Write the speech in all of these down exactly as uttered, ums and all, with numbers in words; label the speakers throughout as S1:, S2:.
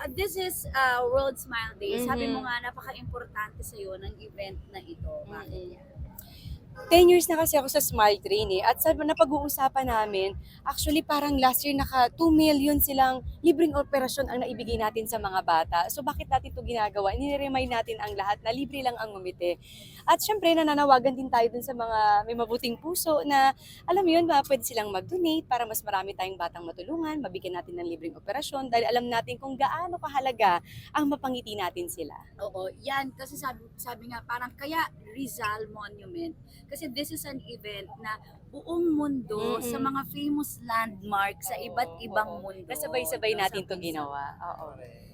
S1: Ah, this is uh, World Smile Day. Sabi mo
S2: Mhm.
S1: nga, napaka-importante sa'yo ng event na ito. Bakit
S2: Mm.
S1: yan?
S2: ten years na kasi ako sa Smile Train eh. At sa napag-uusapan namin, actually parang last year naka two million silang libreng operasyon ang naibigay natin sa mga bata. So bakit natin ito ginagawa? Nire-remind natin ang lahat na libre lang ang ngumiti. At syempre nananawagan din tayo dun sa mga may mabuting puso na alam mo yun, ba, pwede silang mag-donate para mas marami tayong batang matulungan, mabigyan natin ng libreng operasyon dahil alam natin kung gaano kahalaga ang mapangiti natin sila.
S1: Oo, yan. Kasi sabi, sabi nga, parang kaya Rizal Monument. Kasi this is an event na buong mundo sa
S2: Mm-mm.
S1: mga famous landmark sa iba't ibang mundo.
S2: Kasabay-sabay
S1: no?
S2: natin to
S1: Sabay-sabay.
S2: ginawa. Oo.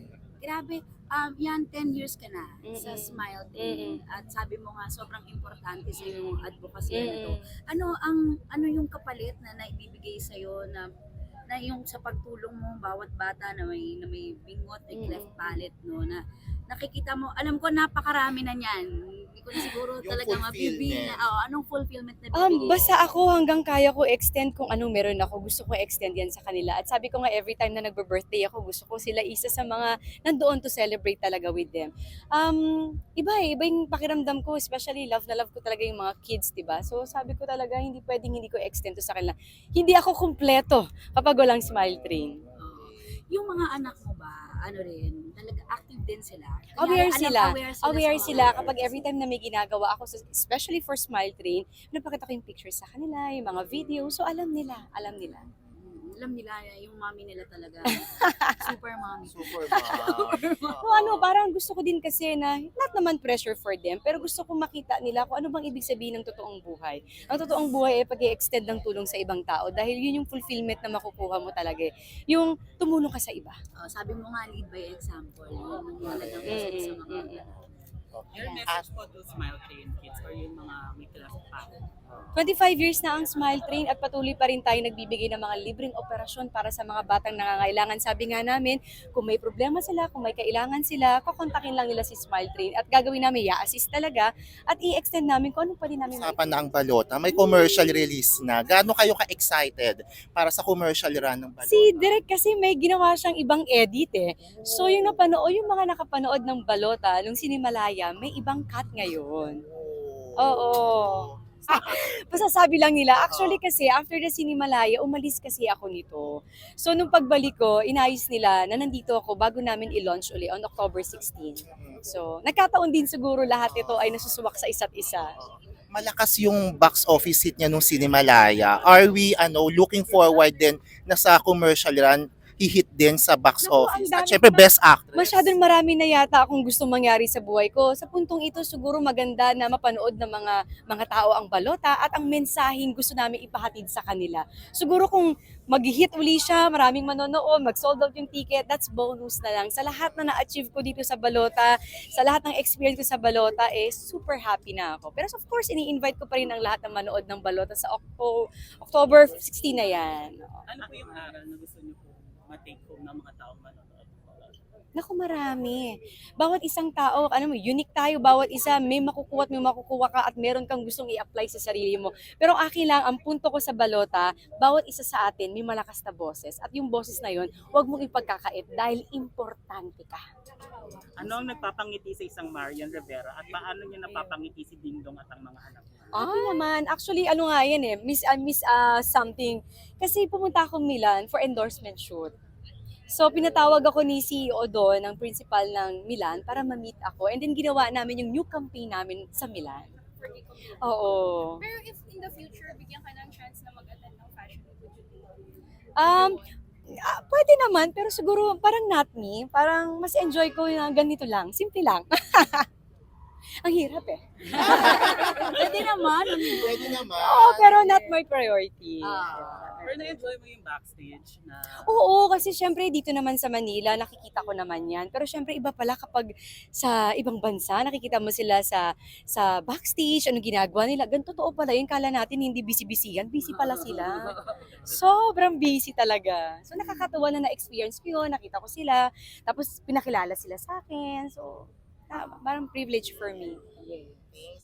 S1: Grabe, um, yan, ten years ka na sa
S2: Mm-mm.
S1: Smile Train.
S2: Mm-mm.
S1: At sabi mo nga, sobrang importante sa yung advocacy na ito.
S2: Mm-mm.
S1: Ano ang ano yung kapalit na naibibigay sa na na yung sa pagtulong mo bawat bata na may na may bingot, may cleft
S2: Mm.
S1: palate no na nakikita mo, alam ko napakarami na niyan. Hindi ko na siguro
S3: Yung
S1: talaga mabibilang.
S3: fulfillment.
S1: Oh, anong fulfillment na
S2: Um,
S1: bibigay?
S2: basta ako hanggang kaya ko extend kung anong meron ako. Gusto ko extend yan sa kanila. At sabi ko nga every time na nagbe-birthday ako, gusto ko sila isa sa mga nandoon to celebrate talaga with them. Um, iba eh, iba yung pakiramdam ko, especially love na love ko talaga yung mga kids, 'di ba? So sabi ko talaga hindi pwedeng hindi ko extend to sa kanila. Hindi ako kumpleto kapag walang Smile Train.
S1: Oo. Yung mga anak mo ba, ano rin, talaga active din sila?
S2: Aware
S1: Kunyari, alam-
S2: sila.
S1: Aware sila,
S2: Aware
S1: sa mga
S2: sila
S1: events.
S2: kapag every time na may ginagawa ako, sa- especially for Smile Train, napakita ko yung pictures sa kanila, yung mga video. So alam nila, alam nila.
S1: Mm, alam nila, yung mommy nila talaga. Super mommy.
S3: Super mom.
S2: No, ano, parang gusto ko din kasi na, not naman pressure for them, pero gusto ko makita nila kung ano bang ibig sabihin ng totoong buhay. Ang totoong buhay ay pag extend ng tulong sa ibang tao dahil yun yung fulfillment na makukuha mo talaga eh. Yung tumulong ka sa iba.
S1: Oh, sabi mo nga, lead by example. Yun ang talagang gusto ko sa
S2: Mm,
S1: mga
S2: mm, mm.
S4: Your message po to Smile Train kids or yung mga may class pa?
S2: twenty-five years na ang Smile Train at patuloy pa rin tayo nagbibigay ng mga libreng operasyon para sa mga batang nangangailangan. Sabi nga namin, kung may problema sila, kung may kailangan sila, kukontakin lang nila si Smile Train at gagawin namin, i-assist talaga at i-extend namin kung anong pwede namin
S3: Usapan na ang balota. May commercial release na. Gaano kayo ka-excited para sa commercial run ng balota?
S2: Si Direk kasi may ginawa siyang ibang edit eh. So yung napanood, yung mga nakapanood ng balota, nung Sinimalaya, may ibang cut ngayon. Oo. Masasabi lang nila. Actually kasi, after the Sinimalaya, umalis kasi ako nito. So, nung pagbalik ko, inayos nila na nandito ako bago namin i-launch uli on October sixteenth. So, nagkataon din siguro lahat ito ay nasusuwak sa isa't isa.
S3: Malakas yung box office hit niya nung Cinemalaya. Are we ano looking forward din na sa commercial run hihit din sa box
S2: Naku, ang
S3: office?
S2: dami
S3: At syempre
S2: pa-
S3: best actress.
S2: Masyadong marami na yata akong gusto mangyari sa buhay ko. Sa puntong ito, siguro maganda na mapanood ng mga mga tao ang balota at ang mensaheng gusto namin ipahatid sa kanila. Siguro kung mag-hit uli siya, maraming manonood, mag-sold out yung ticket, that's bonus na lang. Sa lahat na na-achieve ko dito sa balota, sa lahat ng experience ko sa balota, eh, super happy na ako. Pero of course, ini-invite ko pa rin ang lahat na manood ng balota sa Octo- October sixteenth na yan.
S4: Ano po yung aral na gusto niyo po ma-take home ng mga taong manonood?
S2: Naku, marami. Bawat isang tao, ano mo, unique tayo, bawat isa, may makukuha at may makukuha ka at meron kang gustong i-apply sa sarili mo. Pero ang akin lang, ang punto ko sa balota, bawat isa sa atin may malakas na boses. At yung boses na yun, huwag mong ipagkakait dahil importante ka.
S4: Ano ang nagpapangiti sa isang Marian Rivera at paano niya napapangiti si Dingdong at ang mga anak niya?
S2: Happy naman. Actually, ano nga yan eh, miss, uh, miss uh, something. Kasi pumunta akong Milan for endorsement shoot. So, pinatawag ako ni C E O doon, ng principal ng Milan, para ma-meet ako. And then, ginawa namin yung new campaign namin sa Milan.
S5: For Kiko Milan.
S2: Oo.
S5: Pero if in the future, bigyan ka ng chance na mag-attend ng fashion week, would you do it?
S2: Um, ah, pwede naman, pero siguro parang not me. Parang mas enjoy ko na ganito lang. Simple lang. Ang hirap eh.
S1: Pwede naman.
S3: Pwede naman.
S2: Oo, pero not my priority.
S1: Ah.
S4: Pero na-enjoy mo yung backstage na
S2: Oo, kasi syempre dito naman sa Manila, nakikita ko naman yan. Pero syempre iba pala kapag sa ibang bansa, nakikita mo sila sa sa backstage, ano ginagawa nila. Ganun totoo pala yun. Kala natin hindi busy-busy yan. Busy pala sila. Sobrang busy talaga. So nakakatuwa na na-experience ko yun, nakita ko sila. Tapos pinakilala sila sa akin. So, ah, parang privilege for me.